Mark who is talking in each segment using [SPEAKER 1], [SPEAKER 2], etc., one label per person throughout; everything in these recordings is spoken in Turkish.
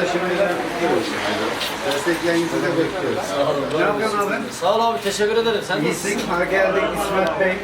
[SPEAKER 1] şimdiden kutluyoruz. Desteklerinizi de bekliyoruz. Ne yapıyorsun abi?
[SPEAKER 2] Sağ ol abi, teşekkür ederim. Sen nasılsın?
[SPEAKER 1] İyisin, ha geldik İsmet Bey.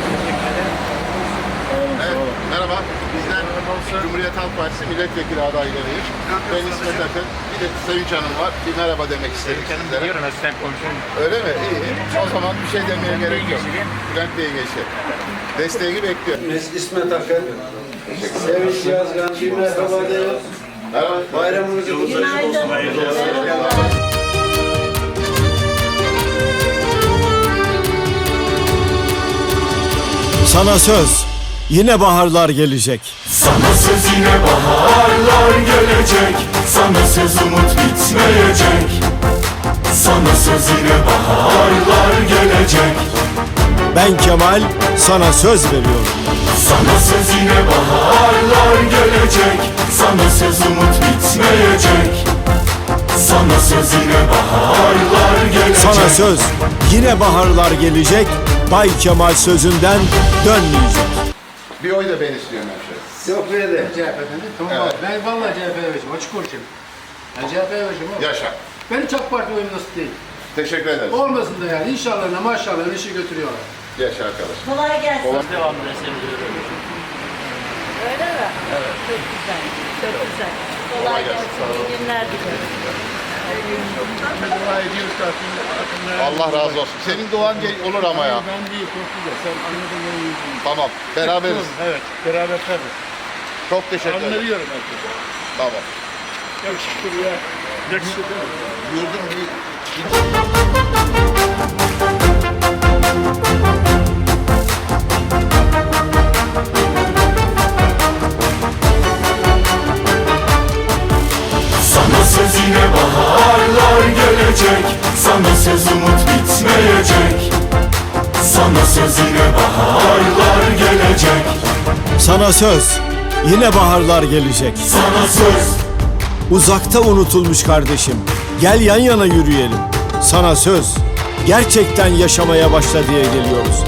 [SPEAKER 3] Evet, merhaba. Bizden Cumhuriyet Halk Partisi milletvekili adaylarıyım. Ben İsmet Akın. Bir de Sevinç Hanım var. Bir merhaba demek istedim sizlere.
[SPEAKER 4] Biliyorum, asistan konuşuyorum.
[SPEAKER 3] Öyle mi? İyi. O zaman bir şey demeye gerek yok. Bülent Bey'e geçelim. Desteğini bekliyorum.
[SPEAKER 1] Biz İsmet Akın. Sevinç Yazgan, bir merhaba diyoruz.
[SPEAKER 3] Merhaba.
[SPEAKER 1] Bayramınızı kutluyoruz.
[SPEAKER 5] Sana söz, yine baharlar gelecek.
[SPEAKER 6] Sana söz yine baharlar gelecek. Sana söz umut bitmeyecek. Sana söz yine baharlar gelecek.
[SPEAKER 5] Ben Kemal, sana söz veriyorum.
[SPEAKER 6] Sana söz yine baharlar gelecek. Sana söz umut bitmeyecek. Sana söz yine baharlar gelecek.
[SPEAKER 5] Sana söz, yine baharlar gelecek. Bay Kemal sözünden dönmeyecek.
[SPEAKER 3] Bir oy da ben istiyorum hemşehrim.
[SPEAKER 1] Yok böyle.
[SPEAKER 7] CHP'den de tamam
[SPEAKER 3] Evet.
[SPEAKER 7] abi. Ben vallahi CHP'ye vereceğim. Açık konuşayım. Ben CHP'ye vereceğim abi.
[SPEAKER 3] Yaşa.
[SPEAKER 7] Benim çok parti oyum nasıl değil.
[SPEAKER 3] Teşekkür ederiz.
[SPEAKER 7] Olmasın da yani. İnşallah maşallah işi götürüyorlar.
[SPEAKER 3] Yaşa arkadaş.
[SPEAKER 8] Kolay gelsin.
[SPEAKER 2] Devamlı destekliyorum.
[SPEAKER 8] Öyle mi? Evet. Çok güzel. Çok güzel. Kolay gelsin. İyi günler dilerim.
[SPEAKER 4] Dua ediyoruz ki
[SPEAKER 3] Allah razı olsun. Senin duan olur ama ya.
[SPEAKER 4] Ben değil, çok güzel. Sen anladın mı?
[SPEAKER 3] Tamam. Beraberiz.
[SPEAKER 4] Evet, beraber tabii.
[SPEAKER 3] Çok teşekkür ederim.
[SPEAKER 4] Anlıyorum herkese.
[SPEAKER 3] Tamam.
[SPEAKER 4] Yakışıklı ya. Yakışıklı.
[SPEAKER 3] Yurdum bir
[SPEAKER 6] Sana söz yine baharlar gelecek. Sana söz umut bitmeyecek. Sana söz yine baharlar gelecek.
[SPEAKER 5] Sana söz, yine baharlar gelecek.
[SPEAKER 6] Sana söz.
[SPEAKER 5] Uzakta unutulmuş kardeşim, gel yan yana yürüyelim. Sana söz, gerçekten yaşamaya başla diye geliyoruz.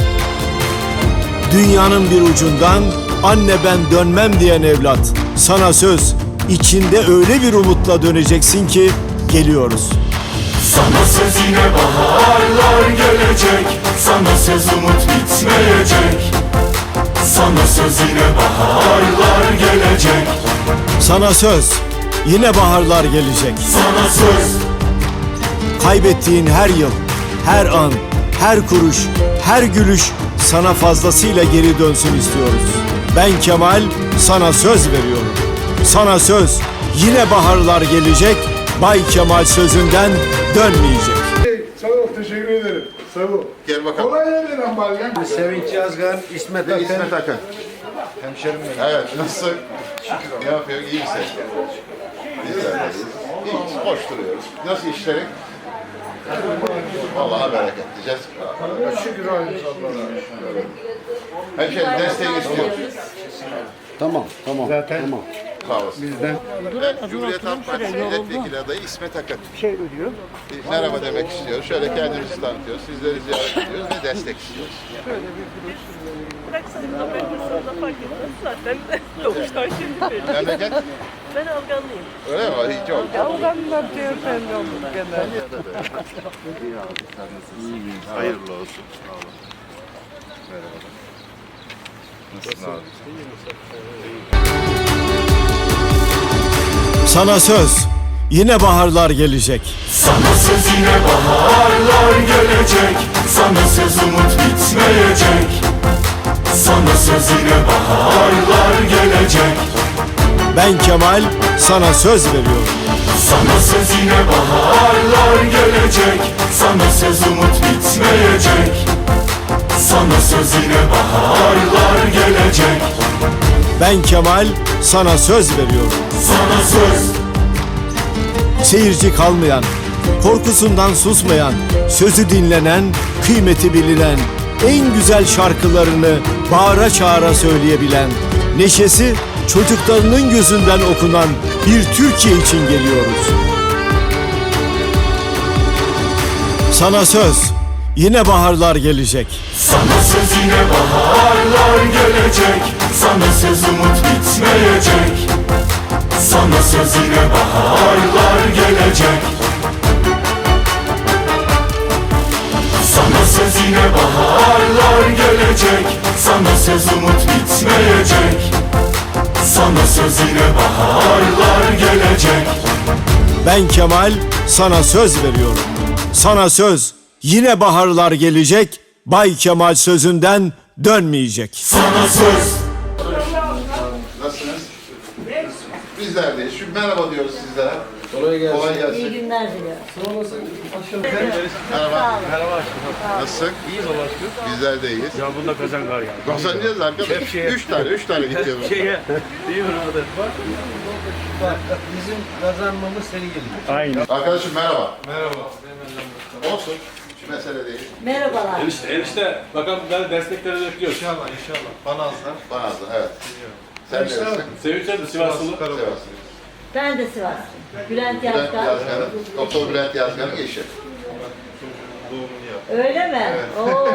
[SPEAKER 5] Dünyanın bir ucundan anne ben dönmem diyen evlat. Sana söz, içinde öyle bir umutla döneceksin ki geliyoruz.
[SPEAKER 6] Sana söz yine baharlar gelecek. Sana söz umut bitmeyecek. Sana söz yine baharlar gelecek.
[SPEAKER 5] Sana söz, yine baharlar gelecek.
[SPEAKER 6] Sana söz.
[SPEAKER 5] Kaybettiğin her yıl, her an, her kuruş, her gülüş sana fazlasıyla geri dönsün istiyoruz. Ben Kemal, sana söz veriyorum. Sana söz, yine baharlar gelecek. Bay Kemal sözünden dönmeyecek.
[SPEAKER 4] Sağ ol, teşekkür ederim. Sağ ol.
[SPEAKER 3] gel bakalım.
[SPEAKER 4] Kolay gelsin ambalyan.
[SPEAKER 1] Sevinç Yazgan, İsmet
[SPEAKER 3] Ve
[SPEAKER 1] Akın.
[SPEAKER 3] İsmet Akın.
[SPEAKER 1] Hemşerim benim.
[SPEAKER 3] Evet, nasılsın? Ne yapıyor? İyi misin? Bizler de iyiyiz. İyiyiz, hoş duruyoruz. Nasıl işlerin? Allah'a bereket diyeceğiz.
[SPEAKER 4] Şükür halimiz Allah'a.
[SPEAKER 3] Hemşehrim desteğini istiyoruz.
[SPEAKER 1] Tamam, tamam.
[SPEAKER 4] Zaten
[SPEAKER 1] Tamam.
[SPEAKER 3] Sağ olasın. Ben Cumhuriyet Halk Partisi milletvekili adayı İsmet Akın. Bir merhaba demek istiyoruz. Şöyle kendimizi tanıtıyoruz. Sizleri ziyaret ediyoruz ve destek istiyoruz.
[SPEAKER 9] Bıraksanız da ben hırsızla fark etmez zaten. Doğuştan şimdi belli.
[SPEAKER 3] Memleket?
[SPEAKER 9] Ben Afganlıyım.
[SPEAKER 3] Öyle mi? Hiç oldu.
[SPEAKER 9] Afganlar diyor ben de oldum genelde.
[SPEAKER 3] Hayırlı olsun. Merhaba. Nasılsın abi?
[SPEAKER 5] Sana söz, yine baharlar gelecek.
[SPEAKER 6] Sana söz yine baharlar gelecek. Sana söz umut bitmeyecek. Sana söz yine baharlar gelecek.
[SPEAKER 5] Ben Kemal, sana söz veriyorum.
[SPEAKER 6] Sana söz yine baharlar gelecek. Sana söz umut bitmeyecek. Sana söz yine baharlar gelecek.
[SPEAKER 5] Ben Kemal, sana söz veriyorum.
[SPEAKER 6] Sana söz.
[SPEAKER 5] Seyirci kalmayan, korkusundan susmayan, sözü dinlenen, kıymeti bilinen, en güzel şarkılarını bağıra çağıra söyleyebilen, neşesi çocuklarının gözünden okunan bir Türkiye için geliyoruz. Sana söz, yine baharlar gelecek.
[SPEAKER 6] Sana söz yine baharlar gelecek. Sana söz umut bitmeyecek. Sana söz yine baharlar gelecek. Sana söz yine baharlar gelecek. Sana söz umut bitmeyecek. Sana söz yine baharlar gelecek.
[SPEAKER 5] Ben Kemal sana söz veriyorum. Sana söz yine baharlar gelecek. Bay Kemal sözünden dönmeyecek.
[SPEAKER 6] Sana söz.
[SPEAKER 3] Nasılsınız? Bizler de. Şu merhaba diyoruz sizlere.
[SPEAKER 4] Kolay gelsin.
[SPEAKER 3] Kolay
[SPEAKER 8] İyi
[SPEAKER 3] gelsin.
[SPEAKER 8] günler diliyorum.
[SPEAKER 3] Merhaba.
[SPEAKER 7] Merhaba aşkım.
[SPEAKER 3] Nasılsın?
[SPEAKER 7] İyiyiz Allah aşkına.
[SPEAKER 3] Bizler de iyiyiz.
[SPEAKER 7] Ya bunda kazan var ya.
[SPEAKER 3] Kazanacağız arkadaş.
[SPEAKER 7] Şeye.
[SPEAKER 3] 3 tane gidiyoruz.
[SPEAKER 7] Şeye, değil mi orada? Bizim kazanmamız seni geliyor. Aynen.
[SPEAKER 3] Arkadaşım merhaba. Merhaba. Olsun. Şu mesele değil.
[SPEAKER 8] Merhabalar.
[SPEAKER 10] Enişte bakalım ben destekleri bekliyoruz. İnşallah.
[SPEAKER 3] Banazlı evet. Sen neresin?
[SPEAKER 10] Sevinç de Sivaslı.
[SPEAKER 3] Sivas.
[SPEAKER 8] Ben de Sivaslıyım. Bülent
[SPEAKER 3] Bülent
[SPEAKER 8] Yazgan.
[SPEAKER 3] Yazgan'ın, Doktor Bülent Yazgan'ın eşi.
[SPEAKER 8] Öyle mi? Oo.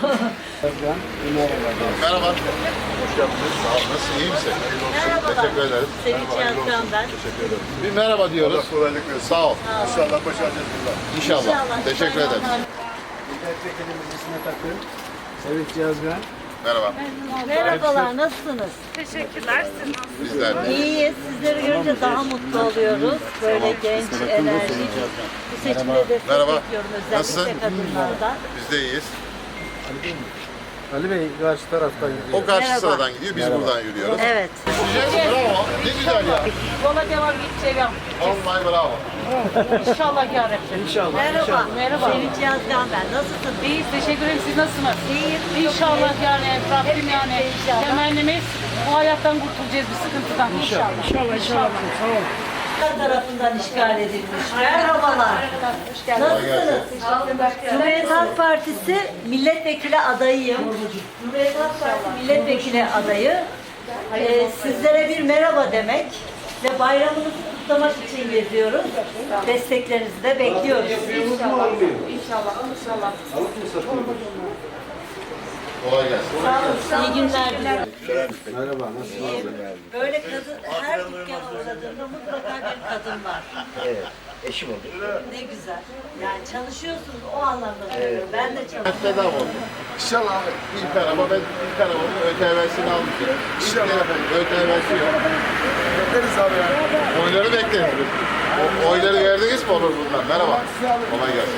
[SPEAKER 3] Merhaba. Hoş geldiniz. Sağ olun. Nasılsın? İyi misin?
[SPEAKER 8] Merhabalar.
[SPEAKER 3] Teşekkür ederim.
[SPEAKER 8] Sevinç Yazgan ben.
[SPEAKER 3] Bir merhaba diyoruz.
[SPEAKER 4] Kolaylık versin.
[SPEAKER 3] Sağ ol.
[SPEAKER 4] İnşallah başaracağız burada.
[SPEAKER 3] İnşallah. Teşekkür ederim.
[SPEAKER 7] Milletvekilimiz İsmet Akın, Sevinç Yazgan.
[SPEAKER 3] Merhaba.
[SPEAKER 8] Merhabalar, nasılsınız?
[SPEAKER 9] Teşekkürler. Siz nasılsınız?
[SPEAKER 3] Bizler de.
[SPEAKER 8] İyiyiz. Sizleri görünce daha mutlu oluyoruz. Böyle genç, enerjik. Bu seçimde destek
[SPEAKER 3] Merhaba.
[SPEAKER 8] bekliyorum
[SPEAKER 3] Nasılsın?
[SPEAKER 8] özellikle kadınlardan.
[SPEAKER 3] Biz de iyiyiz.
[SPEAKER 7] Ali Bey karşı taraftan gidiyor.
[SPEAKER 3] O karşı sıradan gidiyor. Biz buradan yürüyoruz.
[SPEAKER 8] Evet.
[SPEAKER 3] Bravo. Ne güzel ya.
[SPEAKER 9] Yola devam gideceğim.
[SPEAKER 3] Vallahi bravo.
[SPEAKER 9] İnşallah yarabbim.
[SPEAKER 7] İnşallah.
[SPEAKER 8] Merhaba.
[SPEAKER 9] Merhaba.
[SPEAKER 8] Sevinç Yazgan ben. Nasılsınız?
[SPEAKER 9] İyiyiz. Teşekkür ederim. Siz nasılsınız?
[SPEAKER 8] İyiyim.
[SPEAKER 9] İnşallah yani Rabbim yani
[SPEAKER 8] İnşallah.
[SPEAKER 9] temennimiz bu hayattan kurtulacağız bir sıkıntıdan. İnşallah. İnşallah.
[SPEAKER 8] Tarafından işgal edilmiş. Merhabalar. Nasılsınız? Cumhuriyet Halk Partisi milletvekili adayıyım. Cumhuriyet Halk Partisi milletvekili adayı. Sizlere bir merhaba demek ve bayramınızı kutlamak için geziyoruz. Desteklerinizi de bekliyoruz.
[SPEAKER 9] İnşallah. İnşallah. İnşallah.
[SPEAKER 3] Kolay gelsin.
[SPEAKER 8] Sağ olun. İyi günler diliyorum.
[SPEAKER 7] Merhaba, nasılsınız?
[SPEAKER 8] Böyle kadın, her dükkana uğradığında mutlaka bir kadın var.
[SPEAKER 7] Evet, eşim oldu.
[SPEAKER 8] Ne güzel. Yani çalışıyorsunuz o anlamda söylüyorum. Ben de çalışıyorum.
[SPEAKER 3] Bedava oldu.
[SPEAKER 4] İnşallah abi.
[SPEAKER 3] İlk araba ben ilk arabamın ÖTV'sini almışım. İlk telefon ÖTV'si yok.
[SPEAKER 4] Bekleriz abi ya.
[SPEAKER 3] Oyları bekleyin. Oyları verdiniz mi olur bundan? Merhaba. Kolay gelsin.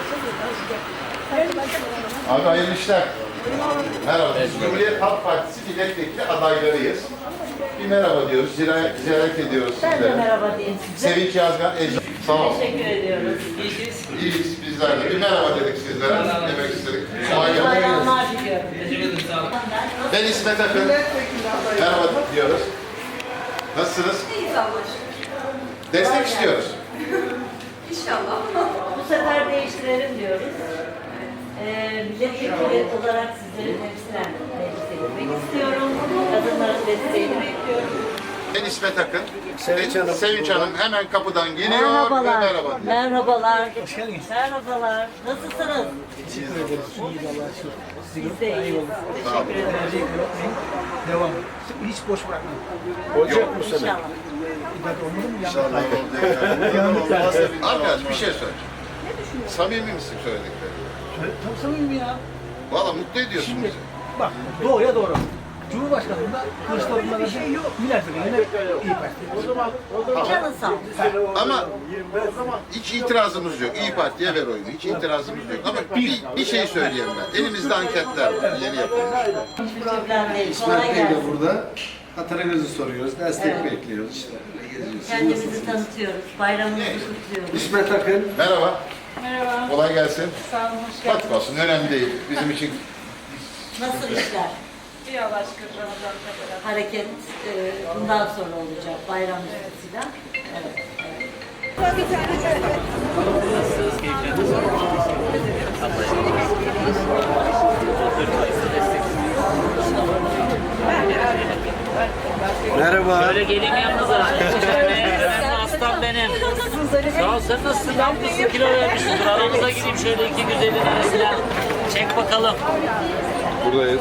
[SPEAKER 3] Abi hayırlı işler. Merhaba. Biz Cumhuriyet Halk Partisi milletvekili adaylarıyız. Bir merhaba diyoruz. Ziyaret ediyoruz
[SPEAKER 8] Ben de
[SPEAKER 3] sizlere.
[SPEAKER 8] merhaba diyeyim size.
[SPEAKER 3] Sevinç Yazgan, Ecem. Sağ ol.
[SPEAKER 8] Teşekkür ediyoruz.
[SPEAKER 3] İyiyiz bizler de. Bir merhaba dedik sizlere. Demek istedik. Kolay gelsin.
[SPEAKER 8] Bayramlar diliyorum.
[SPEAKER 3] Ben İsmet Akın. Merhaba diyoruz. Nasılsınız? Destek istiyoruz.
[SPEAKER 8] Bu sefer değiştirelim diyoruz. Milletvekili olarak sizleri temsilen meclise gitmek istiyorum. Kadınların desteğini bekliyorum.
[SPEAKER 3] Ben İsmet Akın. Sevinç Hanım hemen kapıdan geliyor ve
[SPEAKER 8] Merhabalar.
[SPEAKER 3] merhaba diyor.
[SPEAKER 8] Merhabalar. Merhabalar. Nasılsınız? Biz de iyiyiz. Teşekkür ederim.
[SPEAKER 7] Devam. Hiç boş bırakma.
[SPEAKER 3] Yok.
[SPEAKER 8] İnşallah.
[SPEAKER 3] Arkadaş bir şey söyle. Samimi misin söyledikleri?
[SPEAKER 7] Çok samimi ya.
[SPEAKER 3] Valla mutlu ediyorsun bizi.
[SPEAKER 7] Bak, doğruya doğru. Cumhurbaşkanlığında Kılıçdaroğlu'na verdi. Milletvekiline iyi Parti. O zaman
[SPEAKER 8] Canın sağ olsun.
[SPEAKER 3] Ama hiç itirazımız yok. İyi Parti'ye ver oyunu. Hiç itirazımız yok. Ama bir şey söyleyeyim ben. Elimizde anketler var. Yeni yapılmış.
[SPEAKER 8] Hiçbir problem değil. Kolay
[SPEAKER 1] İsmet Bey de
[SPEAKER 8] gelsin.
[SPEAKER 1] burada. Hatırınızı soruyoruz. Destek bekliyoruz işte. Geziyoruz.
[SPEAKER 8] Kendimizi tanıtıyoruz. Bayramımızı kutluyoruz.
[SPEAKER 1] İsmet Akın.
[SPEAKER 3] Merhaba.
[SPEAKER 9] Merhaba.
[SPEAKER 3] Kolay gelsin.
[SPEAKER 9] Sağ olun. Hoş geldiniz.
[SPEAKER 3] Fatma olsun. Önemli değil. Bizim için
[SPEAKER 8] Nasıl işler?
[SPEAKER 9] İyi Allah aşkına. Ramazan kadar.
[SPEAKER 8] Hareket bundan sonra olacak. Bayram üstesiyle. Evet.
[SPEAKER 1] Merhaba.
[SPEAKER 2] Şöyle geleyim yanınıza. Aslan benim. Sağ ol, sen nasılsın? Ne yapıyorsun? Kilo vermişsindir. Aramıza gideyim şöyle iki güzelin arasına. Çek bakalım.
[SPEAKER 3] buradayız.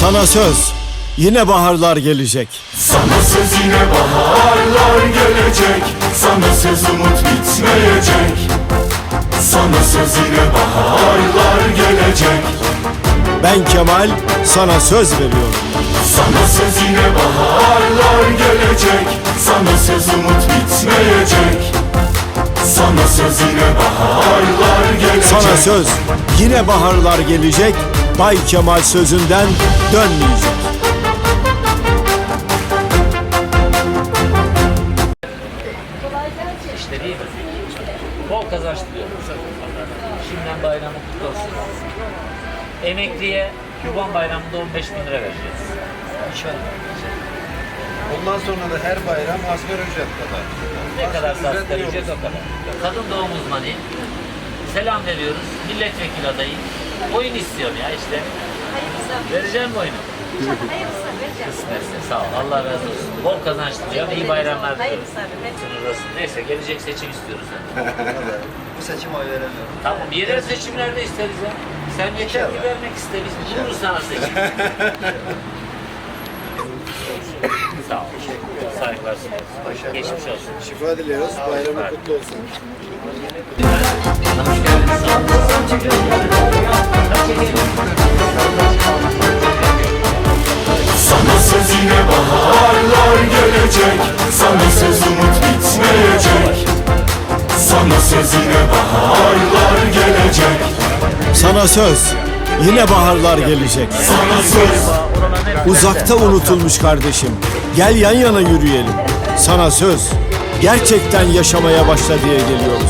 [SPEAKER 5] Sana söz, yine baharlar gelecek.
[SPEAKER 6] Sana söz yine baharlar gelecek. Sana söz umut bitmeyecek. Sana söz yine baharlar gelecek.
[SPEAKER 5] Ben Kemal, sana söz veriyorum.
[SPEAKER 6] Sana söz yine baharlar gelecek. Sana söz umut bitmeyecek. Sana söz yine baharlar gelecek.
[SPEAKER 5] Sana söz, yine baharlar gelecek. Bay Kemal sözünden dönmeyecek.
[SPEAKER 2] İşte değil mi? Bol kazanç diliyorum. Şimdiden bayramı kutlu olsun. Emekliye Kurban Bayramı'nda 15 bin lira vereceğiz. İnşallah.
[SPEAKER 4] Ondan sonra da her bayram asgari ücret kadar.
[SPEAKER 2] Ne kadar asgari ücret o kadar. Kadın doğum uzmanıyım. Selam veriyoruz. Milletvekili adayım. Oyun istiyorum ya işte. Vereceğim mi oyunu? Kısmetse sağ ol. Allah razı olsun. Bol kazanç diliyorum. İyi bayramlar diliyorum. Sınırlısın. Neyse gelecek seçim istiyoruz.
[SPEAKER 4] Bu seçim oy veremiyorum.
[SPEAKER 2] Tamam yerel seçimlerde isteriz ya. Sen yeter ki vermek iste. Biz buluruz sana seçim. Sağ ol. Saygılar sunarız. Geçmiş olsun.
[SPEAKER 4] Şifa diliyoruz. Bayramı kutlu olsun.
[SPEAKER 2] Hoş geldiniz. Sağ olun.
[SPEAKER 6] Sana söz yine baharlar gelecek. Sana söz umut bitmeyecek. Sana söz yine baharlar gelecek.
[SPEAKER 5] Sana söz, yine baharlar gelecek.
[SPEAKER 6] Sana söz.
[SPEAKER 5] Uzakta unutulmuş kardeşim. Gel yan yana yürüyelim. Sana söz, gerçekten yaşamaya başla diye geliyoruz.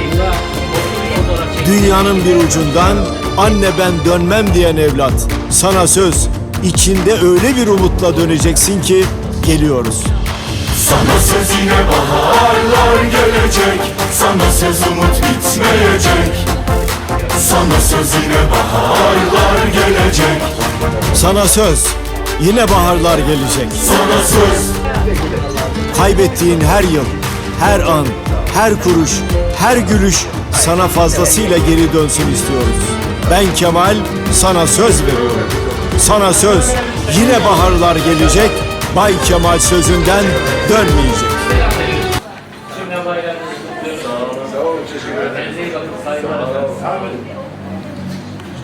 [SPEAKER 5] Dünyanın bir ucundan anne ben dönmem diyen evlat. Sana söz, içinde öyle bir umutla döneceksin ki geliyoruz.
[SPEAKER 6] Sana söz yine baharlar gelecek. Sana söz umut bitmeyecek. Sana söz yine baharlar gelecek.
[SPEAKER 5] Sana söz, yine baharlar gelecek.
[SPEAKER 6] Sana söz.
[SPEAKER 5] Kaybettiğin her yıl, her an, her kuruş, her gülüş sana fazlasıyla geri dönsün istiyoruz. Ben Kemal, sana söz veriyorum. Sana söz, yine baharlar gelecek. Bay Kemal sözünden dönmeyecek.